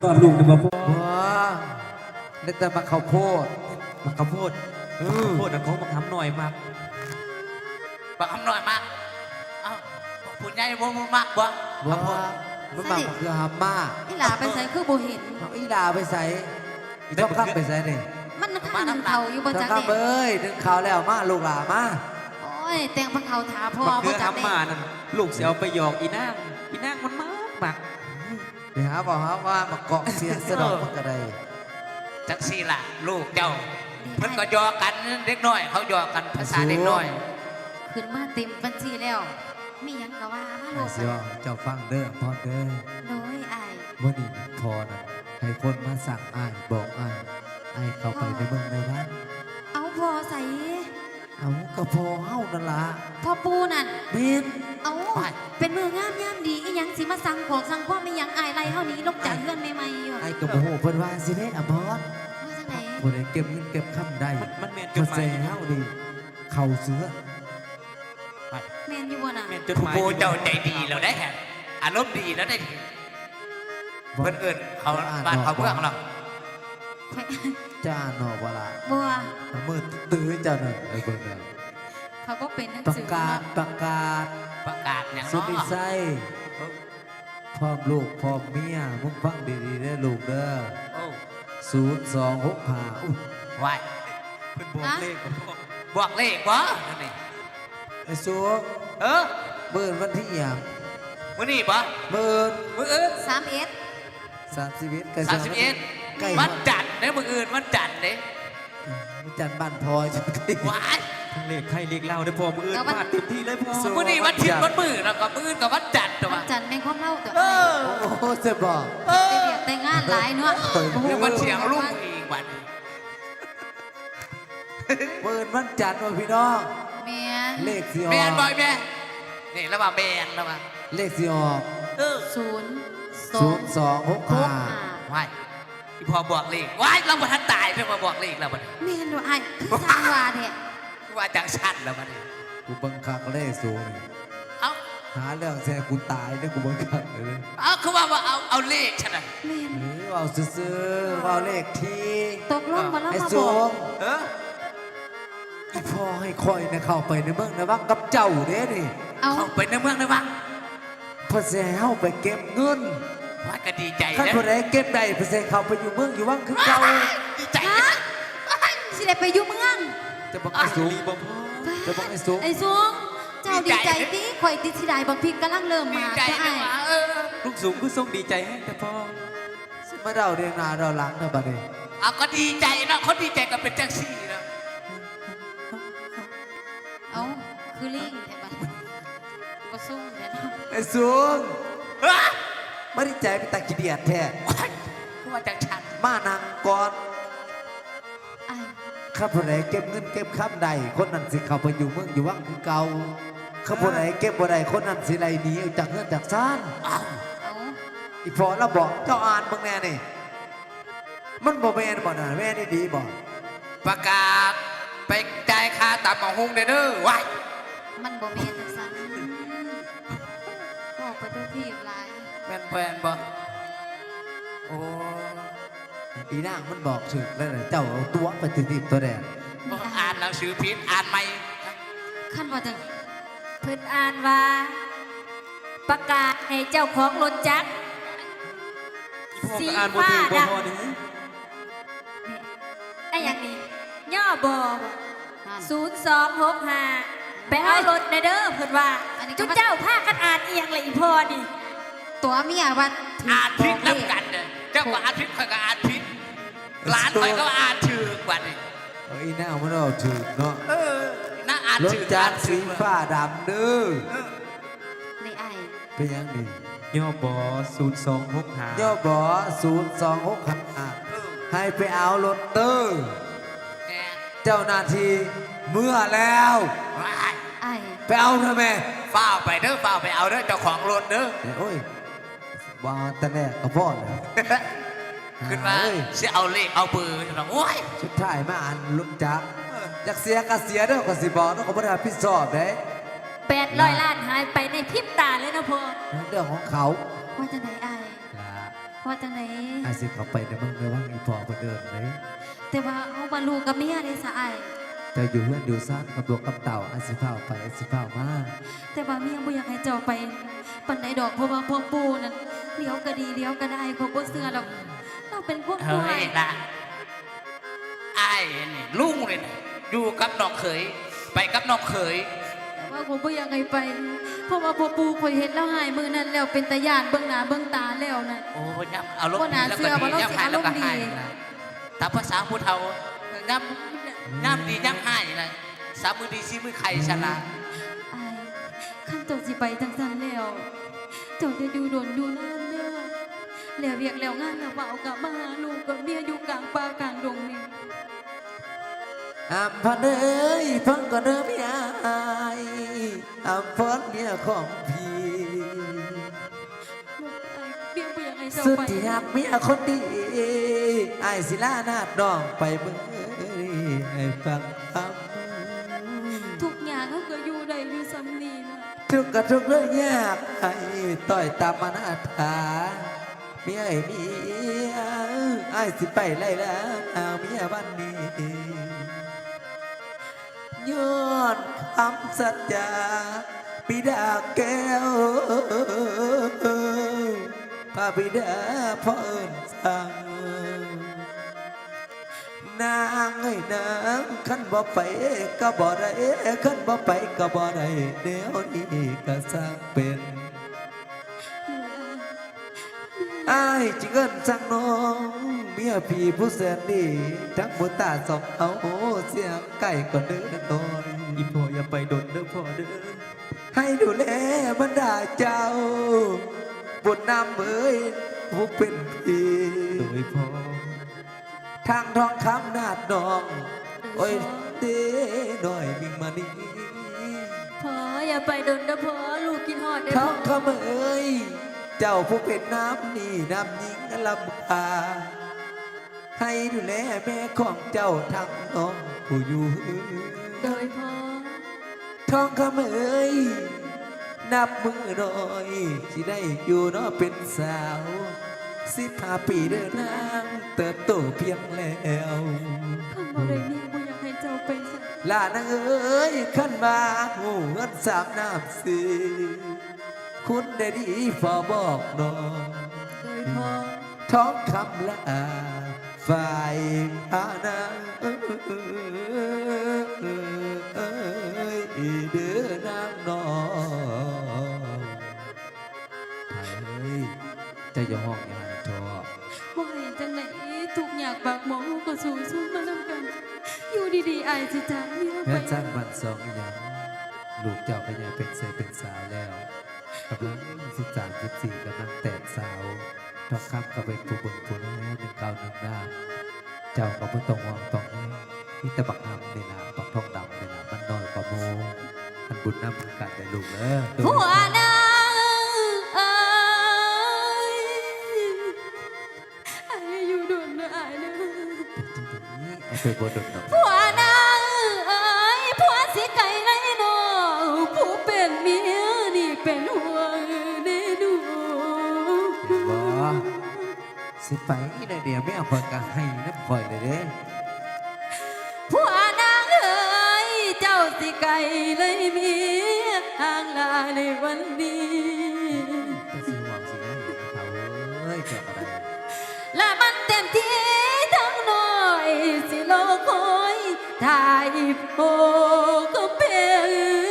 ตอนลูกจะมาพูดว้าเล็กแต่มาข้าวโพดมาข้าวโพดพูดนะเขามาทำหน่อยมากบักคำหน่อยมากเอ้าพูดใหญ่บ่มากบ่ว้ามันมาคือฮาม่าอีหลาไปใส่คือบ่เห็นเอาอีดาไปใส่อีต้องข้ามไปใส่นี่มันข้างหนึ่งเขาอยู่บนต้องจักข้ามเด็เอ้ยดึงข่าวแล้วมาลูกหลามาโอ้ยแต่งพังเขาถาพ่อบักเกลืบ่อจักเด็ทำมานั่นลูกเสียวไปหยอกอีนางมันมากไปหาบอกหาว่ามาเกาะเสียงสะดอกมันก็ได้จักซี่ล่ะลูกเจ้าเพิ่นก็หยอกกันเด็กน้อยเขาหยอกกันภาษาเด็กน้อยขึ้นมาเต็มบัญชีแล้วมีหยังก็ว่ามาโลดเสียวเจ้าฟังเด้อพ่อเด้อโดยอ้ายเมื่อนี้พอน่ะให้คนมาสั่งอ้ายบอกอ้ายเข้าไปในเมืองในบ้านเอาพ่อใส่เอากระพอเฮานั่นล่ะพ่อปูนั่นเม็นเอาเป็นมืองามยามดีอีหยังสิมาสั่งของสั่งความไม่หยังอายไรเฮานี้ลงจากเรื่องใหม่ๆอยู่ไอ้กระโมโหเพิ่นว่าสิเด้อะบอสว่าจังได๋ผู้ใดเก็บเงินเก็บคำได้มันเมียนจก็ดหมาแซ่ยเฮาดีเข่าเสือแม่นอยู่บ่น่ะเมียนจดหมายผู้เจ้าใจดีแล้วได้แฮะอารมณ์ดีแล้วได้เพิ่นเอิ้นเขาบ้านเขาเมืองหรอกจ้าหนอเวลาบัวมือตื้อเจ้าหน่อยไอ้เบิ่งแล้วเขาก็เป็นหนังประสือกาศเนาะประกาศประกาศอย่างสุน้ดอที่ไส้พร้อมลูกพร้อมเมียมึงฟังดีๆเด้อลูกเด้อโอ้ 0265อุ๊ยไหวเป็นบอกเลขกับพ่อบอกเลขบ่นั่นนี่ไอ้สูงเออเบิ่นวันที่หยังมื้อนี้บ่เบิ่นมื้ออื่น 31 31กัน 31 ใกล้วันจันทร์เด้มื้ออื่นวันจันทร์เด้มันจันทร์บ้านพลอยจังซี่ว้ายทั้งเลขไทยเลขเล่าได้พอมืออื่นมาเต็มที่เลยพ่อมื้อนี้วันอาทิตย์วันมื้อแล้วก็มื้ออื่นก็วันจันทร์ตัววันจันทร์แม่งความเล่าตัวเออโอ้โหจะบอกไปเรียกแต่งงานหลายเนาะเดี๋ยวมันเสียงลูกอีกวันเบิ่นวันจันทร์ว่าพี่น้องแม่นเลขสิอแมอนบ่กอยแม่นี่ระหว่างแมนระหว่างเลขสิออกเออ 0265 ว้ายอีพอบอกเลขว้ายเราบ่ทันตายเพิ่งมาบอกเลขแล้วบัดนี้แม่นว่าอ้ายคือสร้างว่าแท้ว่าจังชันแล้วบัดนี้กูเบิ่งคักเลขสูงนี่เอ้าหาเรื่องแซ่กูตายเนี่ยกูเบิ่งคักเลยเอาคือว่าเอาเลขฉันน่ะแม่นหรือว่าซื่อๆว่าเลขที่ตกลงมาแล้วไอ้มาบสูอกงเอออีพ่อให้คอยเนี่ยเข้าไปในเมืองในวังกับเจ้าเด้นี่เอาเข้าไปในเมืองได้บ้างเพื่อแซ่เฮาไปเก็บเงินว่าก็ดีใจคันนะผู้ใดเก็บได้เพื่อแซ่เข้าไปอยู่เมืองอยู่วังคือเก่าดีใจฮะสิได้ไปอยู่เมืองจะบอกไอ้สูงรีบบอกพ่อจะบอกไอ้สูงไอ้สูงเจ้าดีใจติข่อยติดสิได้บักพริกกำลังเริ่มดีมาใจจ้ะนะอ้ายว่าเออลูกสูงก็ทรงดีใจให้แต่พ่อมาเดาเรียงหน้าเดาหลังเด้อบัดนี้เอาก็ดีใจนะเขาดีใจก็เป็นจังซี่นะเอาคือลิงแต่บัดบ่สู้แท้เนาะไอ้สูงเฮ้ยไม่ได้ใจเป็นตาขี้เดียดแท้คือว่าจังชันมานั่งก่อนอ้ายข้าผู้ใดเก็บเงินเก็บคำใดคนนั้นสิเข้าไปอยู่เมืองอยู่วังคือเก่าข้าผู้ใดเก็บบ่ได้คนนั้นสิไล่หนีออกจากเงินจากซ่านอ้าวเอาอีพอเราบอกเจ้าอ่านเบิ่งแน่นี่มันบ่แม่นบ่น่ะแม่นี่ดีบ่ประกาศไปจ่ายค่าตำหมอหุงเด้อเด้อว้ายมันบ่แม่นจังซั่นบอกไปตัวที่หลายแม่นแฟนบ่โอ้อีนางมันบอกถึกแล้วน่ะเจ้าเอาตัวไปติดๆตัวแดงนี่อ้าอ่าย นหนังสือพิษอ่านไหมคันว่าจังเพิ่นอ่านว่า ประกาศให้เจ้าของรถจักรพ่อก็อ่านบ่ถึงบ่พ่อนี่ไอ้อย่างนี้ย่อบอนั่น 0265ไปเอารถนะเด้อเพิ่นว่าอันนี้ก็จุเจ้าพากันอ่านเอียงเลยอีพ่อนี่ตัวเมียว่าถูกอ่านพิษบแล้วเลขกันเด้อเจ้าก็อ่านพิษข่อยก็อ่านพิษหลานข่อยก็อ่านถือบัดนี้เอาอีนางมันเอาถึกเนาะเออน่าอ่านรถถือจัอ่าก นรถืสีอฟ้าดำเด้อในอ้ายเป็นยังนี่ย่อบอ0265 ย่อบอ0265ให้ไปเอารถเด้อแหมเจ้าหน้าที่เมื่อแล้วว้ายอ้ายไปเอาเถอะแม่เฝ้าไปเด้อเฝ้าไปเอาเด้อเจ้าของรถเด้อโอ้ยว่าแต่แรกกับพ่อเลยขึ้นมาเฮ้ยสิเอาเลขเอาเบอร์จังโอ้ยสุดท้ายมาอ่านลุกจักอยากเสียก็เสียเด้อก็สิบอกเด้อก็บ่ได้รับผิดชอบเด้ 800 ล้านหายไปในพริบตาเลยนะพ่อเรื่องของเขาว่าจังไดอ้ายล่ะว่าจังไหนอาสิเข้าไปในเมืองในว่างอีพอเพิ่นเดินเลยแต่ว่าเอาบาลูกกับเมียได้สะอายเจ้าอยู่เฮือนอยู่ซ่านกับดวงกับเต่าอาสิพาไปอาสิพามาแต่ว่าเมียบ่อยากให้เจ้าไปปันไหนดอกเพราะว่าพวกปูนั่นเลี้ยวก็ดีเลี้ยวก็ได้เขาบ่เชื่อดอกเราเป็นพวกเฮ้ผู้ให้ยละไอ้นี่ลุงเลยนะอยู่กับน้องเขยไปกับน้องเขยแต่ว่าผมบ่อยากให้ไป เพราะว่าพวกปูข่อยเห็นแล้วหายมือนั้นแล้วเป็นตาย่านเบิ่งหน้าเบิ่งตาแล้วนั่นโอ้ยำเอารมบ่ณ์น่าดีแล้วเชื่ก็อว่าดีเราย่ำสิหายแล้วก็อารมณ์ดีหายนะตามภาษาผู้เฒ่าย่ำดีย่ำหายนะสามมือดีซีมือไข่ฉลาดอายขั้นเจ้าสิไปจังซั่นแล้วเจ้าจะอยู่โดนอยู่นานเด้อแล้วเวียกแล้วงานแล้วบ่เอากลับมาหาลูกกับเมียอยู่กลางป่ากลางดงนี่อัมพันเอ้ยฟังก่อนเด้อเมียอายอัมพรเมียของพี่เบี้ยบ่อยากให้เจ้าสุดไปที่หักเมียคนดีอายสิลานาดน้องไปเบิ่งให้ฟังคำทุกอย่างเขาก็อยู่ได้อยู่ซ้ำนี่นะทุกข์ก็ทุกข์เรื่องยากให้ต่อยตามมานาถาเมียไอ้เมียอายสิไปไล่แล้วเอาเมียบ้านนี้ย้อนคำสัจจาบิดาแก้วพระบิดาพ่อเอิญสั่งนางไอ้นางขันบ่ไปก็บ่ได้ขันบ่ไปก็บ่ได้เดี๋ยวนี้ก็สร้างเป็นอ้ายจิเงินสั่งน้องเมียพี่ผู้แสนดีทั้งบุตาสองเอาเสียงไก่ก็เดินน้อยอีพ่ออย่าไปโดนเด้อพ่อเด้อให้ดูแลบรรดาเจ้าบุญนำเอ้ยผู้เป็นพี่โดยพ่อทางทองคำนาดนองโอ้ยเด้หน่อยมิงมานี่พออย่าไปโดนนะพอลูกกินหอดได้ทพอองคำเอ้ยเจ้าผู้เป็นน้ำนี่น้ำยิงลำพาให้ดูแลแม่ของเจ้าทั้งน้องผู้อยู่โดยพอทองคำเอ้ยนับมือหน่อยที่ได้อยู่เนาะเป็นสาว15 ปีเดินนางเติบโตเพียงแล้วคำบ่ได้เมียบ่อยากให้เจ้าไปซะลานางเอ้ยขันมาหูเงินสามน้ำสีคุณได้ดีพอบอกน้องโดยพอท้องคำละฝ่ายพานางเดือนางน้องเฮ้ยจะอย่าห้องอย่าให้ท้อบ่ให้จังไหนทุกอยากปากหมองลูกก็สู้สู้มานำกัน อยู่ดีๆอายสิจากเมียเพื่ไปอนสร้างบ้านสองอย่างลูกเจ้าก็ยังเป็นเสเป็นสาวแล้วกำลัง13 14กำลังแตกสาวทองคำก็เป็นผู้เบิ่งผู้แล1 9 1 หน้าเจ้าก็บ่ต้องห่วงต้องแน่มีแต่บักหำนี่ล่ะบักทองดำนี่ล่ะมันน้อยกว่าโมมันบุญน้ำมันกัดแต่ลูกเด้อผัวนางเอ้ยอายอยู่โดนนะอายนะไอ้ไปบ่ดดดอกผัวนางเอ้ยผัวสิไก่ไรน้องผู้เป็นเมียนี่เป็นห่วงแน่ดูบ่สิไปได้เดี๋ยวไม่เอาเพิ่นก็ให้น้ำข่อยเลยเด้ผัวนางเอ้ยเจ้าสิไก่เลยเมียห่างลาในวันนี้ก็สิหวังสิได้เขาเอ้ยเจ้าก็ได้และมันเต็มที่ทั้งน้อยสิโลคอยถ่ายโปก็เป็น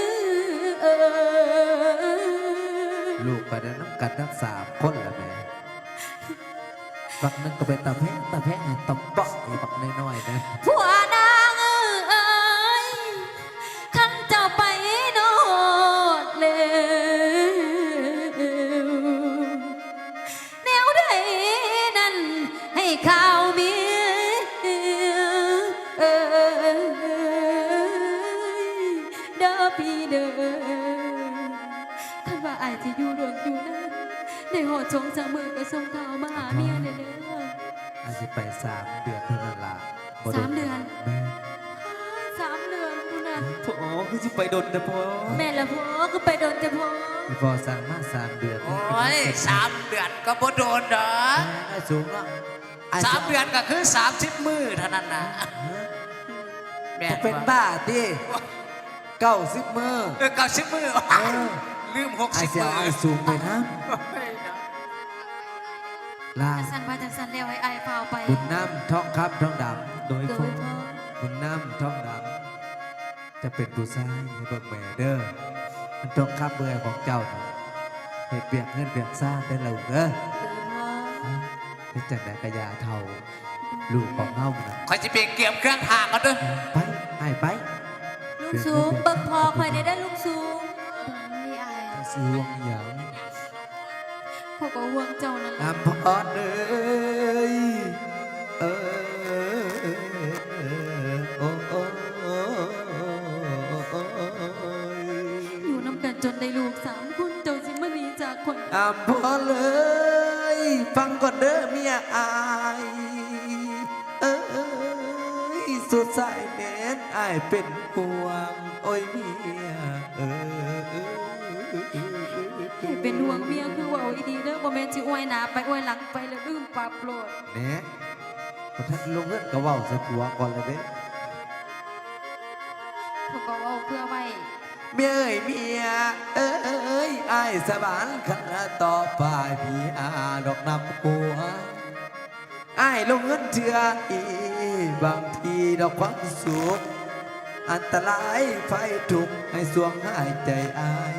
ลูกไปได้น้ำกัดทั้ง3 คนละแม่บักหนึงก็เป็นตาแพงตะเปาะไอ้บักน้อยๆนะผัวนางเอ้ยขันเจ้าไปโนดเร็วแนวใดนั้นให้ข่าวเมียเด้อพี่เด้อคันว่าอายจะอยู่รวมอยู่นั้นได้หอดชงจากมือก็ส่งข่าวมาหาเมียเด้ออาจจะไป3 เดือนเท่านั้นล่ะบ่โ 3 เดือนแม่ 3 เดือนคุณน่ะพ่อคือสิไปดนนะพ่อแม่ละพ่อก็ไปโดนแต่พ่ออีพอสั่งมา3 เดือนโอ้ย3 เดือนก็บ่โดนดอกไอ้สูงเนาะไอ้ 3 เดือนก็คือ30 มื้อเท่านั้นนะแม่จะเป็นบ้าดิ90 มื้อ 90 มื้อลืมไอ้ 60 เสียมื้อไอ้สูงไปนะลาจังสันว่าจังสันแล้วให้อายเฝ้าไปบุญน้ำทองครับทองดำโดยโดพ่อยพ่อบุญน้ำทองดำจะเป็นผู้ชายให้เบิกแม่เด้อมันต้องข้ามเบื่อของเจ้านะให้เปียกเงินเปียกซ่าได้แล้วเด้อโดยพ่อเป็นจังไดกระยาเท่าลูกของเฮานะคอยสิไปเก็บเครื่องทางกันเด้อไปให้ไปลุงสูงเบิ่งพ่อคอยได้ได้อลุงสูงไม่อายไปซื้อวงอหย่างพ่อก็ห่วงเจ้านั่นแหละน้ำพอดเลยเออโอ้โอ้โอ้อยู่น้ำกันจนได้ลูก3 คนเจ้าสิมาหนีจากคนน้ำพอเลย ฟังก่อนเด้อเมียอายเอ้ยสุดสายแน่นอายเป็นห่วงโอ้ยเมียให้เป็นห่วงเมียคือเว่าอีดีเด้อบ่แม่นสิอวยหน้าไปอวยหลังไปแล้วลืมปรับโลดเนี่ยพอท่านลงเงินก็เว้าใส่ผัวก่อนเลยเด้พ่อก็เว้าเพื่อไว้เมียเอ้ยเมียเอ้ยอายสบานขันต่อไปพี่อาดอกนำหัวอายลงเงินเถื่ออีบางทีดอกความสุขอันตรายไฟทุกข์ให้สวงหายใจอาย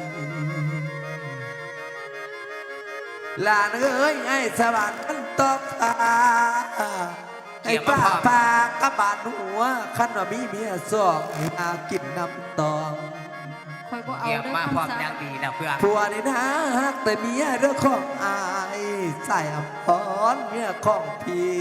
ลานเอ้ยไอ้สวรรค์มันตอกตาไอ้ป้าปากระบาดหัวขันว่ามีเมียสองให้อากินน้ำตองคอยบ่เอาเก็บเด้อมาพร้อมคำสาอย่างดีนะเพื่อนผัวนี่นะฮักแต่เมียเรื่องของอายใส่อภรเมียของพี่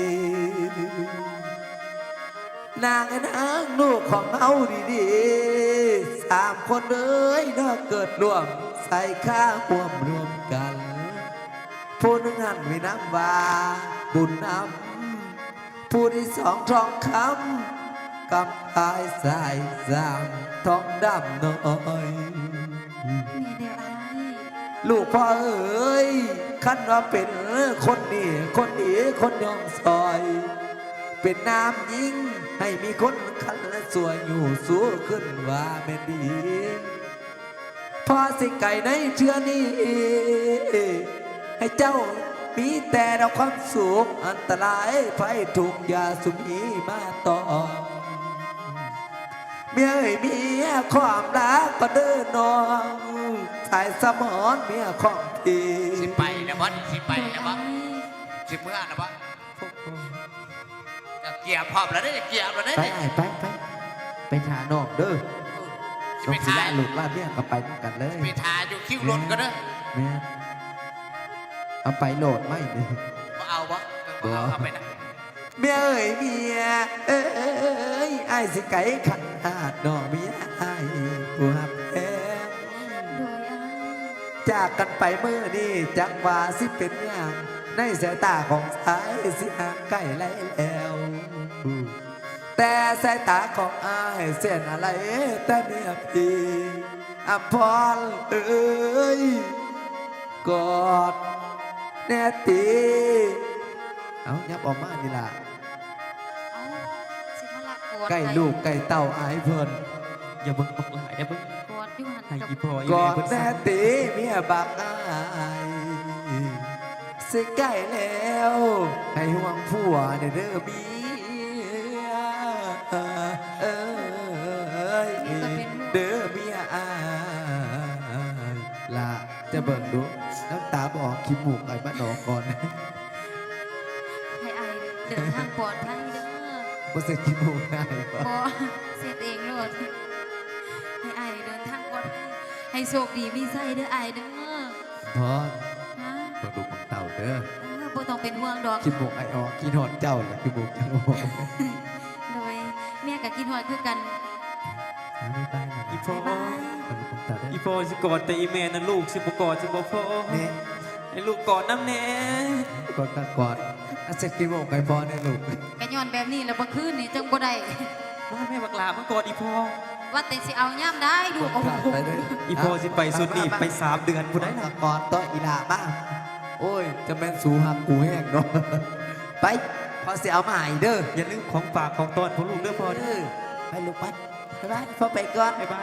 นางไอ้นางลูกของเอาดีๆ3 คนเอ้ยน่าเกิดร่วมใส่ข้าห่วมรวมกันผู้หนึ่งหันไว้น้ำว่าบุญน้ำผู้ที่2 ทองคำกำปายสายสามทองดำน้อยแม่เดียวอายลูกพ่อเอ๋ยคันว่าเป็นคนนี้คนดีคนยองซอย เป็นน้ำยิงให้มีคนคันและสวยอยู่สู้ขึ้นว่าแม่นดีพ่อสิไก่ในเชื่อนี้ ให้เจ้ามีแต่ดอกความสุขอันตรายไฟถูกยาสุมีมาต่อเมียเอ้ยเมียความรักก็เดินน้องสายสมอนเมียของพี่สิไปนะบ่สิไปนะบ่โดยอายสิเมื่อนะบ่เกียร์พร้อมแล้วเด้อเกียร์แล้วเด้อไปไอ้ไปหาน้องเด้อสิน้อไปงสิทาได้ลูกลาเมียก็ไปด้วยกันเลยไปทาอยู่คิวรถก็เด้อแม่เอาไปโหลดไม่เนี่ยบ่เอาบ่เอาไปนะเมียเอ้ยเมียเอ้ยไอ้ายสิไก่ขันหาดน้องเมียไอ้ายผู้หับแพงโดยอายจากกันไปเมื่อนี้จักว่าสิเป็นอย่างในสายตาของสายสิห่างใกล้ไรแล้ว แต่สายตาของอายเส้นอะไรแต่เมียพี่อภรเอ้ยกอดแน่ตีเอายับออกมานี่ล่ะเอาสิมาลักกอดใกล้ลูกใกล้เต่าอายเพิ่นอย่าเบิ่งบักหลายอย่าเบิ่งกอดอยู่หันให้กับอีพ่ออีกอแม่ดเพิ่นแน่สั่งตีเมียบักอายสิใกล้แล้ว ให้ห่วงผัวเด้อเมียเอ้ยเด้อเมียอายล่ะจะเบิ่งดูน้ำตาบออกขี้มูกไอ้บ้านนอกก่อนให้อายเดินทางปลอดภัยเด้อบ่เสร็จขี้มูกได้ปะบ่เสร็จเองโลดให้อายเดินทางปลอดภัยให้โชคดีมีไส้เด้ออายเด้อพอฮะต้องดูของเต่าเด้อบ่ต้องเป็นห่วงดอกขี้มูกไอ้ออกขี้นอนเจ้าแหละขี้มูกเจ้าออกโดยแม่กับกินหอดคือกันไม่ไปนะอีพ่อบ๊ายบายต้องดูของเต่าได้อีพ่อสิกอดแต่อีแม่นั่นลูกสิบ่กอดสิบ่พ่อเนี่ยให้ลูกกอดน้ำแน่กอดกันกอดอาเสร็จขี้มูกไอ้พอเนี่ยลูกกะย้อนแบบนี้แล้วบ่คืนนี่จังบ่ได้มาแม่บักหลามันกอดอีพ่อว่าแต่สิเอาย่ำได้ดูโอ้โหไปเลยอีพอสิไปสุดนี่ไป3 เดือนผู้ใดได้น่ะละก่อนต่ออีหลาบ้างโอ้ย จะแม่นสูหักกูแห้งเนาะ ไป พอเสียเอามาให้เด้ออย่าลืมของฝากของตอนพวกลูกเด้อพ่อเด้อไปลูกไปไปบ้านพ่อไปก่อนบ๊ายบาย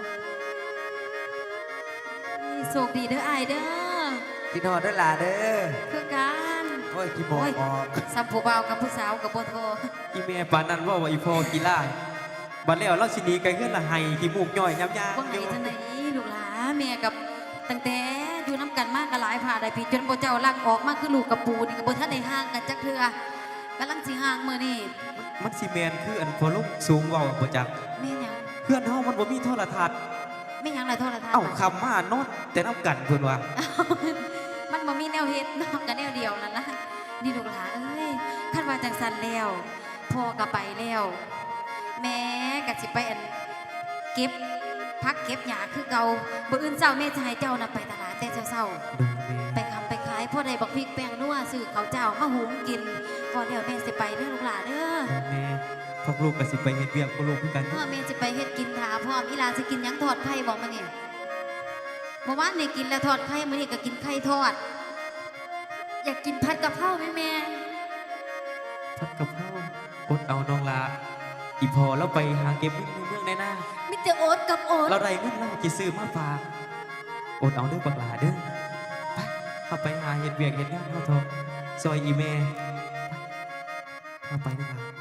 โชคดีเด้ออายเด้อกินหอดเด้อหล่ะเด้อคือการโอ้ยกี่โมงออกสัมผู้บ่าวกับผู้สาวกับบ่โทรอีเมปานนั้นว่าอีพอกีฬาบัดแล้วเราสิหนีไกลเฮือนละไห้ขี้มูกย่อยยับยาว่าไงจังไหนลูกหลาแม่กับตั้งแต่อยู่น้ำกันมากก็หลายผ่าได้พี่จนบ่เจ้าลักออกมาคือลูกกับปูนี่ก็บ่ทันได้ห่างกันจักเทื่อกำลังสิห่างมื้อนี้มันสิแมนคืออันพอลูกสูงเว้าบ่จักแม่นหยังเพื่อนเฮามันบ่มีโทรทัศน์แม่นหยังล่ะโทรทัศน์เอ้าคำมานอนแต่น้ำกันเพิ่นว่ามันบ่มีแนวเฮ็ดนอกกันแนวเดียวนั่นนะนี่ลูกหลาเอ้ยคันว่าจังซั่นแล้วพ่อก็ไปแล้ว แม่ก็สิไปอันเก็บพักเก็บหญ้าคือเก่าบ่อื่นเช้าแม่จะให้เจ้าน่ะไปตลาดแต่เช้าๆ ไปคำไปขายพ่อได้บักพริกแป้งนัวซื้อเขาวเจ้ามาหุงกินพอเดี๋ยวแม่สิไปเด้อลูกหลานเด้อแม่พวกลูกก็สิไปเฮ็ดเวียกพวกลูกคือกันพ่อแม่สิไปเฮ็ดกินถาพ่อมอีหลานสิกินหยังทอดไข่บอกมาเนี่ยเมื่อวานนี่กินแล้วทอดไข่มื้อนี้ก็กินไข่ทอด อยากกินผัดกะเพราไหมแม่พัดกับข้าวอดเอาน้องลาอีพอแล้วไปหาเก็บเงินในเมืองในหน้ามิแต่โอ๊ตกับโอ๊ตเราได้เงินเราจะซื้อมาฝากอดเอาเด้อบักหลาเด้อไปเข้าไปหาเฮ็ดเวียกเฮ็ดงานเฮาเถอะซอยอีแม่ไปเข้าไปเด้อล่ะ